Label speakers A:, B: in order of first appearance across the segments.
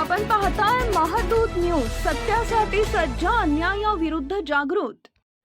A: आपण पाहताय महादूत न्यूज, सत्यासाठी सज्ज, अन्यायाविरुद्ध जागृत।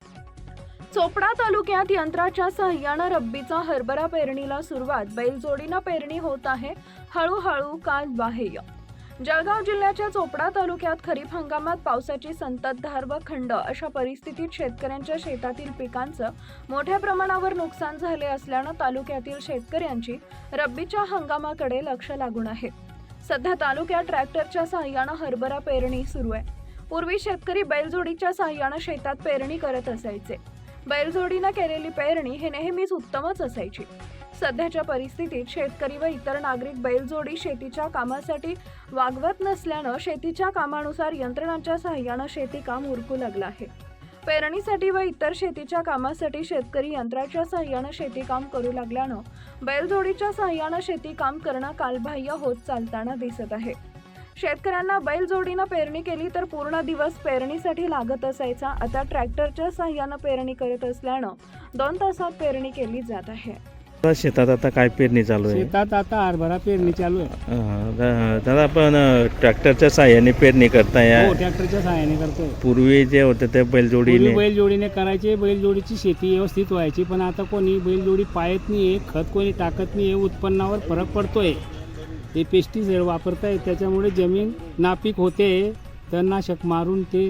A: चोपडा तालुक्यात यंत्राच्या सहाय्याने रब्बीचा हरभरा पेरणीला सुरुवात। बैलजोडीनं पेरणी होत आहे हळूहळू काल बाह्य। जळगाव जिल्ह्याच्या चोपडा तालुक्यात खरीप हंगामात पावसाची संततधार व खंड अशा परिस्थितीत शेतकऱ्यांच्या शेतातील पिकांचं मोठ्या प्रमाणावर नुकसान झाले असल्यानं तालुक्यातील शेतकऱ्यांची रब्बीच्या हंगामाकडे लक्ष लागून आहे। सध्या तालुक्यात ट्रॅक्टरच्या सहाय्याने हरभरा पेरणी सुरू आहे। पूर्वी शेतकरी बैलजोडीच्या सहाय्याने शेतात पेरणी करत असायचे। बैलजोडीने केलेली पेरणी हे नेहमीच उत्तमच असायची। सध्याच्या परिस्थितीत शेतकरी व इतर नागरिक बैलजोडी शेतीच्या कामासाठी वागवत नसल्यानं शेतीच्या कामानुसार यंत्रणांच्या सहाय्याने शेती काम उरकू लागलं आहे। पेरणीसाठी व इतर शेतीच्या कामासाठी शेतकरी यंत्राच्या सहाय्याने शेती काम करू लागल्यानं बैलजोडीच्या सहाय्याने शेती काम करणं कालबाह्य होत चालताना दिसत आहे। शेतकऱ्यांना बैलजोडीनं पेरणी केली तर पूर्ण दिवस पेरणीसाठी लागत असायचा। आता ट्रॅक्टरच्या सहाय्याने पेरणी करत असल्यानं 2 तासात पेरणी केली जात आहे।
B: शेतात आता काय पेरणी चालू आहे?
C: शेतात आता हरभरा पेरणी चालू आहे।
B: दादा आपण ट्रॅक्टरच्या साहाय्याने पेरणी करताय?
C: हो, ट्रॅक्टरच्या सहाय्याने करतोय।
B: पूर्वी जे होते ते बैलजोडीने
C: बैलजोडीने करायचे, बैलजोडीची शेती व्यवस्थित व्हायची, पण आता कोणी बैलजोडी पाळत नाहीये, खत कोणी टाकत नाहीये, उत्पन्नावर फरक पडतोय। ते पेस्टिसाइड वापरताय, त्याच्यामुळे जमीन नापीक होते, तणनाशक मारून ते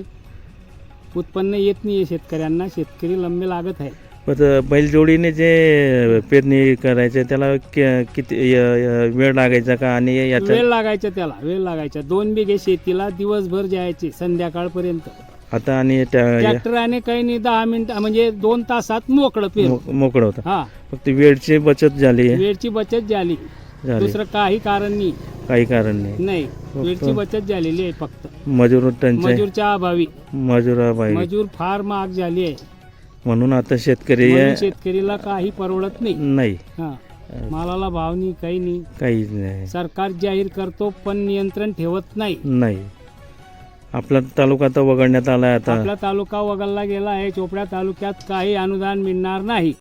C: उत्पन्न येत नाहीये शेतकऱ्यांना, शेतकरी लंबे लागत आहे।
B: बैलजोडीने जे पेरणी करायचे त्याला किती वेळ लागायचा का? आणि
C: वेळ लागायचा, त्याला वेळ लागायचा। 2 बिघे शेतीला दिवसभर जायचे संध्याकाळपर्यंत।
B: आता आणि
C: ट्रॅक्टराने काही नाही, 10 मिनिटं म्हणजे 2 तासात मोकळं
B: होतं।
C: हा,
B: फक्त वेळची बचत झाली,
C: वेळची बचत झाली, दुसरं काही कारण नाही।
B: काही कारण नाही,
C: वेळची बचत झालेली आहे। फक्त
B: मजूरच्या
C: अभावी मजूर फार महाग झाली आहे,
B: म्हणून आता
C: शेतकरीला काही परवडत
B: नाही।
C: हा, मालाला भाव नाही, काही नाही,
B: काहीच नाही।
C: सरकार जाहीर करतो पण नियंत्रण ठेवत नाही।
B: आपला तालुका तर वगळण्यात आला, आता
C: आपला तालुका वगळला गेला आहे। चोपडा तालुक्यात काही अनुदान मिळणार नाही।